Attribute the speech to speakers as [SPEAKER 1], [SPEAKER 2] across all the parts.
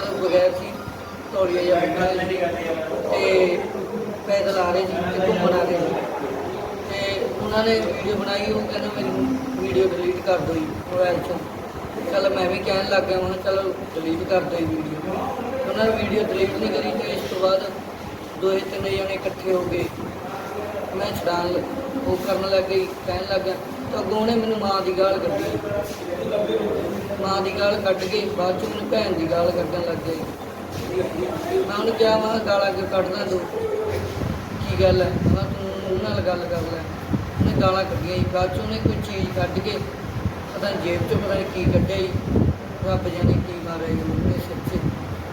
[SPEAKER 1] बगैर सी तौलिया जिहा बैठा ते पैदल आ रहे थे ते घूमन आ रहे थे ते उन्होंने वीडियो बनाई। वो कहते मेरी वीडियो डिलीट कर दो जी मोबाइल चो। चल मैं भी कहन लग गया, मैं चलो डिलीट कर दो वीडियो। उन्होंने वीडियो डिलीट नहीं करी तो इस तो बाद 2-3 जने इकट्ठे हो गए। मैं छड़ान वो करन लग गई, कहन लग गया तो अगों ने मैनू माँ की गाल कड्ढी। माँ की गाल कड्ढ के बाद चों मैनू भैन की गाल कड्ढन लग गई। मैं उन्हें कहा मैं गाला क्यों कड्ढदा तू, की गल है? मैं तू उन्होंने नाल गल कर लै। उन्हें गालां कड्ढियां जी। बाद चों उन्हें कोई चीज़ कड्ढ के पता नहीं जेब चों पता नहीं की कड्ढिया जी। रब जाने की मारिया जी उन्होंने सिर 'ਚ।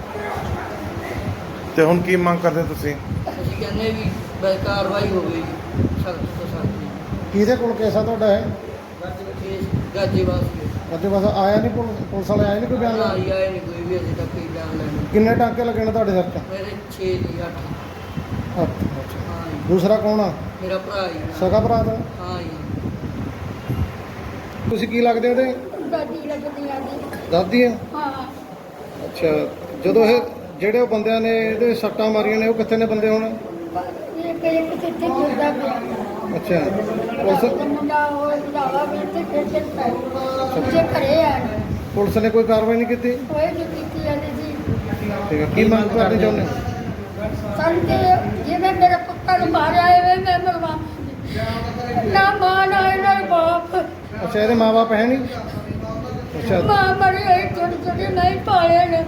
[SPEAKER 2] ਤੇ ਹੁਣ ਕੀ ਮੰਗ ਕਰਦੇ ਤੁਸੀਂ?
[SPEAKER 1] ਅਸੀਂ ਕਹਿੰਦੇ ਵੀ ਬਸ ਕਾਰਵਾਈ ਹੋਵੇ ਜੀ, ਸਖਤ ਤੋਂ ਸਖਤ ਜੀ।
[SPEAKER 3] ਕਿਹਦੇ ਕੋਲ ਕੇਸ ਆ ਤੁਹਾਡਾ ਹੈ?
[SPEAKER 1] ਗਾਜੀਵਾਸ
[SPEAKER 3] ਅੱਗੇ ਬਸ ਆਇਆ ਨਹੀਂ ਪੁਲਿਸ ਵਾਲੇ ਆਏ ਨਹੀਂ ਕੋਈ ਬਿਆਨ
[SPEAKER 1] ਨਾ
[SPEAKER 3] ਲੈਣ?
[SPEAKER 1] ਜੀ ਆਏ ਨਹੀਂ ਕੋਈ ਵੀ ਅਜੇ ਤੱਕ ਕੋਈ ਬਿਆਨ ਲੈਣ।
[SPEAKER 3] ਕਿੰਨੇ ਟਾਂਕੇ ਲੱਗੇ ਨੇ ਤੁਹਾਡੇ ਸਿਰ 'ਚ?
[SPEAKER 1] ਮੇਰੇ 6 ਦੀ 8।
[SPEAKER 3] ਅੱਛਾ।
[SPEAKER 1] ਹਾਂ ਜੀ,
[SPEAKER 3] ਦੂਸਰਾ ਕੌਣ ਆ?
[SPEAKER 1] ਮੇਰਾ ਭਰਾ ਜੀ।
[SPEAKER 3] ਸਗਾ ਭਰਾ ਦਾ?
[SPEAKER 1] ਹਾਂ ਜੀ।
[SPEAKER 3] ਤੁਸੀਂ ਕੀ ਲੱਗਦੇ ਉਹਦੇ?
[SPEAKER 4] ਦਾਦੀ ਲੱਗਦੀ ਆ ਜੀ।
[SPEAKER 3] ਦਾਦੀ ਆ?
[SPEAKER 4] ਹਾਂ,
[SPEAKER 3] ਅੱਛਾ। ਜਦੋਂ ਇਹ ਜਿਹੜੇ ਉਹ ਬੰਦਿਆਂ ਨੇ ਇਹਦੇ ਸੱਟਾਂ ਮਾਰੀਆਂ ਨੇ ਉਹ ਕਿੱਥੇ ਨੇ ਬੰਦੇ ਹੁਣ?
[SPEAKER 4] ਇਹ ਕਈ ਕਿਤੇ ਫਿਰਦਾ ਪਿਆ।
[SPEAKER 3] ਅੱਛਾ।
[SPEAKER 4] ਉਹ ਮੁੰਡਾ ਉਹ ਲਾਵਾ ਵੀ ਤੇ ਫਿਰਦੇ ਪਏ। ਜੇ ਘਰੇ ਆ
[SPEAKER 3] ਪੁਲਿਸ ਨੇ ਕੋਈ ਕਾਰਵਾਈ ਨਹੀਂ ਕੀਤੀ?
[SPEAKER 4] ਕੋਈ ਨਹੀਂ ਕੀਤੀ ਜਾਂਦੀ ਜੀ।
[SPEAKER 3] ਠੀਕ ਹੈ। ਕੀ ਮੰਗ ਕਰਦੇ ਚਾਹੁੰਦੇ?
[SPEAKER 4] ਸਾਨੂੰ ਤੇ ਜਿਵੇਂ ਮੇਰੇ ਪੁੱਤਾਂ ਨੂੰ ਮਾਰਿਆ ਐਵੇਂ ਮੈਂ ਮਰਵਾ ਨਾ ਮਾਂ ਨਾ ਇਹਨਾਂ ਦਾ ਬਾਪ।
[SPEAKER 3] ਅੱਛਾ, ਇਹਦੇ ਮਾਂ-ਬਾਪ ਹੈ ਨਹੀਂ? ਅੱਛਾ।
[SPEAKER 4] ਮਾਂ ਮਰੀ ਹੋਈ ਛੋਟੀ ਛੋਟੀ ਨਹੀਂ ਪਾਲੇ ਨੇ।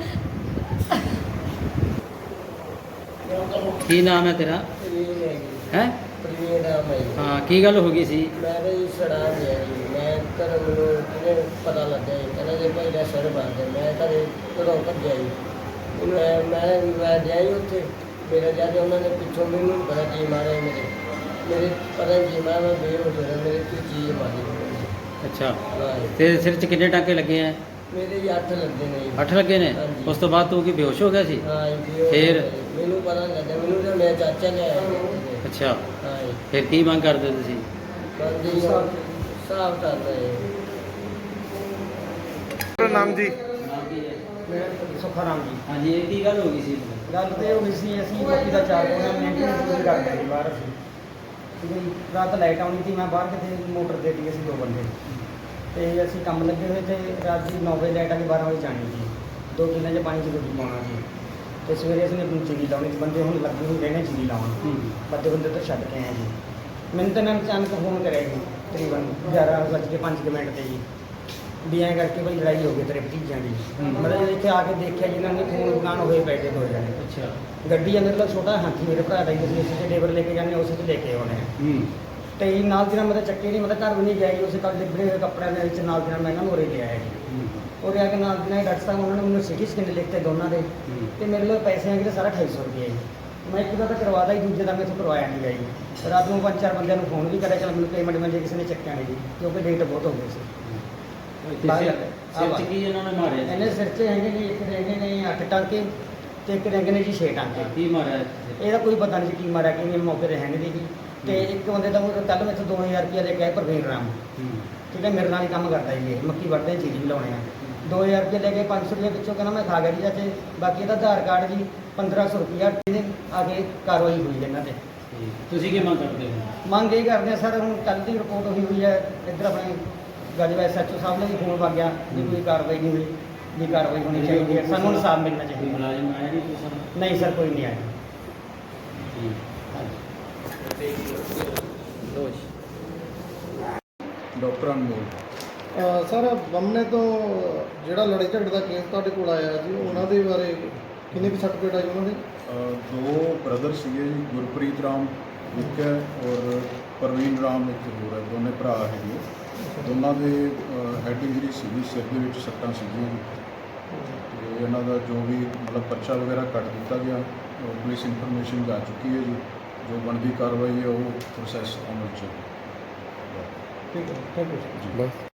[SPEAKER 5] ਕੀ ਨਾਮ ਹੈ ਤੇਰਾ? ਹੈ?
[SPEAKER 1] ਪ੍ਰਵੀਨ ਨਾਮ ਹੈ ਜੀ।
[SPEAKER 5] ਹਾਂ, ਕੀ ਗੱਲ ਹੋ ਗਈ ਸੀ?
[SPEAKER 1] ਮੈਂ ਤਾਂ ਜੀ ਛੜਾ ਗਿਆ ਜੀ। ਮੈਂ ਘਰ ਮੈਨੂੰ ਕਿਹਨੇ ਪਤਾ ਲੱਗਿਆ ਜੀ, ਕਹਿੰਦਾ ਜੀ ਭਾਈ ਦਾ ਸਿਰ ਬਣ ਗਿਆ। ਮੈਂ ਘਰੇ ਘਰੋਂ ਭੱਜਿਆ ਜੀ। ਮੈਂ ਗਿਆ ਜੀ ਉੱਥੇ ਮੇਰਾ ਜਾ ਕੇ ਉਹਨਾਂ ਨੇ ਪਿੱਛੋਂ ਮੈਨੂੰ ਪਤਾ ਕੀ ਮਾਰਿਆ ਮੇਰੇ ਪਤਾ ਨਹੀਂ ਕੀ ਮਾਰਿਆ। ਮੈਂ ਬੇਹੋਸ਼ ਹੋ ਗਿਆ, ਮੇਰੇ ਕੋਈ ਚੀਜ਼ ਮਾਰੀ।
[SPEAKER 5] ਅੱਛਾ,
[SPEAKER 1] ਹਾਂ ਜੀ।
[SPEAKER 5] ਤੇਰੇ ਸਿਰ 'ਚ ਕਿੰਨੇ ਟਾਂਕੇ ਲੱਗੇ ਆ?
[SPEAKER 1] ਮੇਰੇ ਜੀ 8 ਲੱਗੇ ਨੇ ਜੀ।
[SPEAKER 5] 8 ਲੱਗੇ ਨੇ?
[SPEAKER 1] ਹਾਂਜੀ।
[SPEAKER 5] ਉਸ ਤੋਂ ਬਾਅਦ ਤੂੰ ਕੀ ਬੇਹੋਸ਼ ਹੋ ਗਿਆ ਸੀ?
[SPEAKER 1] ਹਾਂ ਜੀ, ਬੇਹੋਸ਼
[SPEAKER 5] ਫਿਰ?
[SPEAKER 1] ਹੋ ਗਿਆ ਜੀ। ਮੈਨੂੰ ਪਤਾ ਨਹੀਂ ਲੱਗਿਆ, ਮੈਨੂੰ ਤਾਂ ਮੇਰਾ ਚਾਚਾ ਨੇ ਆਇਆ।
[SPEAKER 5] ਅੱਛਾ,
[SPEAKER 1] ਹਾਂ ਜੀ।
[SPEAKER 5] ਫਿਰ ਕੀ ਮੰਗ ਕਰਦੇ ਤੁਸੀਂ?
[SPEAKER 1] ਬੰਦੀ ਸਾਫ ਕਰਦਾ ਹੈ।
[SPEAKER 2] ਤੁਹਾਡਾ ਨਾਮ ਜੀ?
[SPEAKER 6] ਸੁੱਖਾ ਰਾਮ ਜੀ।
[SPEAKER 5] ਹਾਂਜੀ, ਇਹ ਕੀ ਗੱਲ ਹੋ ਗਈ ਸੀ?
[SPEAKER 6] ਗੱਲ ਤੇ ਹੋ ਗਈ ਸੀ, ਅਸੀਂ ਮੱਕੀ ਦਾ ਚਾਰ ਕੋਨਾ ਮੇਨਟੇਨੈਂਸ ਪੂਰੀ ਕਰਦੇ ਸੀ ਬਾਹਰ ਅਸੀਂ। ਠੀਕ ਹੈ ਜੀ। ਰਾਤ ਲਾਈਟ ਆਉਣੀ ਸੀ, ਮੈਂ ਬਾਹਰ ਕਿਤੇ ਮੋਟਰ ਦੇ ਦਿੱਤੀ ਅਸੀਂ 2 ਬੰਦੇ ਤੇ ਅਸੀਂ ਕੰਮ ਲੱਗੇ ਹੋਏ ਤੇ ਰਾਤ ਦੀ 9 ਵਜੇ ਲਾਈਟ ਆ ਕੇ 12 ਵਜੇ ਜਾਣੀ ਸੀ। 2 ਕਿੱਲਿਆਂ 'ਚ ਪਾਣੀ 'ਚ ਰੋਟੀ ਪਾਉਣਾ ਸੀ ਤੇ ਸਵੇਰੇ ਅਸੀਂ ਆਪਣੀ ਚੀਰੀ ਲਾਉਣੀ ਸੀ। ਬੰਦੇ ਹੁਣ ਲੱਗੇ ਹੋਏ ਰਹਿਣੇ ਚੀਰੀ ਲਾਉਣ। ਬੰਦੇ ਤੋਂ ਛੱਡ ਕੇ ਆਏ ਜੀ। ਮੈਨੂੰ ਤਾਂ ਇਹਨਾਂ ਨੇ ਅਚਾਨਕ ਫੋਨ ਕਰਿਆ ਜੀ ਤਕਰੀਬਨ 11:05 ਤੇ ਜੀ ਵੀ ਐਂ ਕਰਕੇ ਬਈ ਲੜਾਈ ਹੋ ਗਈ ਤੇਰੇ ਭਤੀਜਿਆਂ ਦੀ। ਮਤਲਬ ਇੱਥੇ ਆ ਕੇ ਦੇਖਿਆ ਜੀ ਇਹਨਾਂ ਨੇ ਫੋਨ ਦੁਕਾਨ ਹੋਏ ਪਏ ਤੇ 2 ਜਣੇ।
[SPEAKER 5] ਅੱਛਾ।
[SPEAKER 6] ਗੱਡੀ ਆ ਮੇਰੇ ਕੋਲ ਛੋਟਾ ਹਾਥੀ ਮੇਰੇ ਭਰਾ ਦਾ ਹੀ, ਅਸੀਂ ਇਸੇ ਡੇਵਰ ਲੈ ਕੇ ਜਾਂਦੇ ਹਾਂ, ਉਸੇ 'ਚ ਲੈ ਕੇ ਆਉਣੇ ਆ। ਤੇ ਨਾਲ ਦੀ ਨਾਲ ਮਤਲਬ ਚੱਕੇ ਨਹੀਂ, ਮਤਲਬ ਘਰ ਵੀ ਨਹੀਂ ਗਿਆ ਜੀ। ਉਸੇ ਕੱਲ ਲਿਬੜੇ ਹੋਏ ਕੱਪੜਿਆਂ ਦੇ ਵਿੱਚ ਨਾਲ ਦੀ ਨਾਲ ਮੈਂ ਇਹਨਾਂ ਨੂੰ ਉਰੇ ਲਿਆਇਆ ਜੀ। ਉਰੇ ਆ ਕੇ ਨਾਲ ਦੀ ਨਾਲ ਡਾਕਟਰ ਸਾਹਿਬ ਉਹਨਾਂ ਨੇ ਮੈਨੂੰ ਸਿਟੀ ਸਕੈਨ ਲਿਖਤੇ ਦੋਨਾਂ ਦੇ ਤੇ ਮੇਰੇ ਕੋਲ ਪੈਸੇ ਹੈਗੇ ਸਾਰਾ 250 ਰੁਪਏ ਜੀ। ਮੈਂ ਇੱਕ ਦਾ ਤਾਂ ਕਰਵਾਦਾ ਹੀ, ਦੂਜੇ ਦਾ ਮੈਥੋਂ ਕਰਵਾਇਆ ਨਹੀਂ ਗਿਆ ਜੀ। ਰਾਤ ਨੂੰ 5-4 ਬੰਦਿਆਂ ਨੂੰ ਫੋਨ ਵੀ ਕਰਿਆ, ਚਲ ਮੈਨੂੰ ਪੇਮੈਂਟ ਮਿਲ ਜੇ, ਕਿਸੇ ਨੇ ਚੱਕਿਆ ਨਹੀਂ ਜੀ ਕਿਉਂਕਿ ਡੇਟ ਬਹੁਤ ਹੋ ਗਈ ਸੀ।
[SPEAKER 5] ਸਿਰ 'ਚ ਕੀ ਇਹਨਾਂ ਨੇ ਮਾਰਿਆ ਸੀ?
[SPEAKER 6] ਇਹਨੇ ਸਿਰ 'ਚ ਹੈਗੇ ਜੀ, ਇੱਕ ਹੈਗੇ ਨੇ 8 ਟਾਂਕੇ ਤੇ ਇੱਕ ਹੈਗੇ ਨੇ ਜੀ 6 ਟਾਂਕੇ।
[SPEAKER 5] ਕੀ ਮਾਰਿਆ?
[SPEAKER 6] ਇਹਦਾ ਕੋਈ ਪਤਾ ਨਹੀਂ ਸੀ ਕੀ ਮਾਰਿਆ ਕਿ ਨਹੀਂ, ਮੌਕੇ ਤੇ ਹੈ ਨਹੀਂ ਜੀ। ਤੇ ਇੱਕ ਬੰਦੇ ਦਾ ਕੱਲ੍ਹ ਮੈਥੋਂ 2000 ਰੁਪਇਆ ਲੈ ਕੇ ਆਇਆ ਪ੍ਰਵੀਨ ਰਾਮ। ਠੀਕ ਹੈ, ਮੇਰੇ ਨਾਲ ਹੀ ਕੰਮ ਕਰਦਾ ਜੀ ਇਹ, ਮੱਕੀ ਵੱਢਦੇ ਚੀਜ਼ ਵੀ ਲਾਉਣੇ ਆ। 2000 ਰੁਪਇਆ ਲੈ ਕੇ 500 ਰੁਪਏ ਵਿੱਚੋਂ ਕਹਿੰਦਾ ਮੈਂ ਖਾ ਗਿਆ ਜੀ ਚਾਚੇ। ਬਾਕੀ ਇਹਦਾ ਆਧਾਰ ਕਾਰਡ ਜੀ 1500 ਰੁਪਇਆ ਇਹਦੇ ਆ ਕੇ ਕਾਰਵਾਈ ਹੋਈ ਇਹਨਾਂ ਤੇ।
[SPEAKER 5] ਤੁਸੀਂ ਕੀ ਮੰਗ ਕਰਦੇ ਹੋ?
[SPEAKER 6] ਮੰਗ ਇਹ ਕਰਦੇ ਆ ਸਰ, ਹੁਣ ਕੱਲ੍ਹ ਦੀ ਰਿਪੋਰਟ ਹੋਈ ਹੈ ਇੱਧਰ ਆਪਣੇ ਗਾਜਵਾ SHO ਸਾਹਿਬ ਨੇ ਵੀ ਫੋਨ ਵਗ ਗਿਆ ਵੀ ਕੋਈ ਕਾਰਵਾਈ ਨਹੀਂ ਹੋਈ, ਵੀ ਕਾਰਵਾਈ ਹੋਣੀ ਚਾਹੀਦੀ ਹੈ, ਸਾਨੂੰ ਇਨਸਾਫ ਮਿਲਣਾ
[SPEAKER 5] ਕੋਈ
[SPEAKER 6] ਚਾਹੀਦਾ।
[SPEAKER 5] ਮੁਲਾਜ਼ਮ ਆਇਆ ਨਹੀਂ ਤੁਸੀਂ?
[SPEAKER 6] ਨਹੀਂ ਸਰ, ਕੋਈ ਨਹੀਂ ਆਇਆ।
[SPEAKER 7] ਡਾਕਟਰ ਅਨਮੋਲ।
[SPEAKER 3] ਸਰ ਬੰਮੇ ਤੋਂ ਜਿਹੜਾ ਲੜਾਈ ਝਗੜੇ ਦਾ ਕੇਸ ਤੁਹਾਡੇ ਕੋਲ ਆਇਆ ਜੀ, ਉਹਨਾਂ ਦੇ ਬਾਰੇ ਕਿੰਨੇ ਕੁ ਸਰਟੀਫਿਕੇਟ ਆ ਜੀ ਉਹਨਾਂ ਦੇ?
[SPEAKER 7] 2 ਬ੍ਰਦਰ ਸੀਗੇ ਜੀ, ਗੁਰਪ੍ਰੀਤ ਰਾਮ ਇੱਕ ਹੈ ਔਰ ਪ੍ਰਵੀਨ ਰਾਮ ਇੱਕ ਹੋਰ ਹੈ, ਦੋਨੇ ਭਰਾ ਹੈਗੇ। ਦੋਨਾਂ ਦੇ ਹੈਡ ਇੰਜਰੀ ਸੀਗੀ, ਸਿਰ ਦੇ ਵਿੱਚ ਸੱਟਾਂ ਸੀਗੀਆਂ ਜੀ। ਤੇ ਇਹਨਾਂ ਦਾ ਜੋ ਵੀ ਮਤਲਬ ਪਰਚਾ ਵਗੈਰਾ ਕੱਟ ਦਿੱਤਾ ਗਿਆ, ਪੁਲਿਸ ਇਨਫੋਰਮੇਸ਼ਨ ਜਾ ਚੁੱਕੀ ਹੈ ਜੀ। ਜੋ ਬਣਦੀ ਕਾਰਵਾਈ ਹੈ ਉਹ ਪ੍ਰੋਸੈਸ ਅਮਲ 'ਚ ਹੈ।
[SPEAKER 3] ਠੀਕ ਹੈ, ਥੈਂਕ ਯੂ।
[SPEAKER 7] ਜੀ।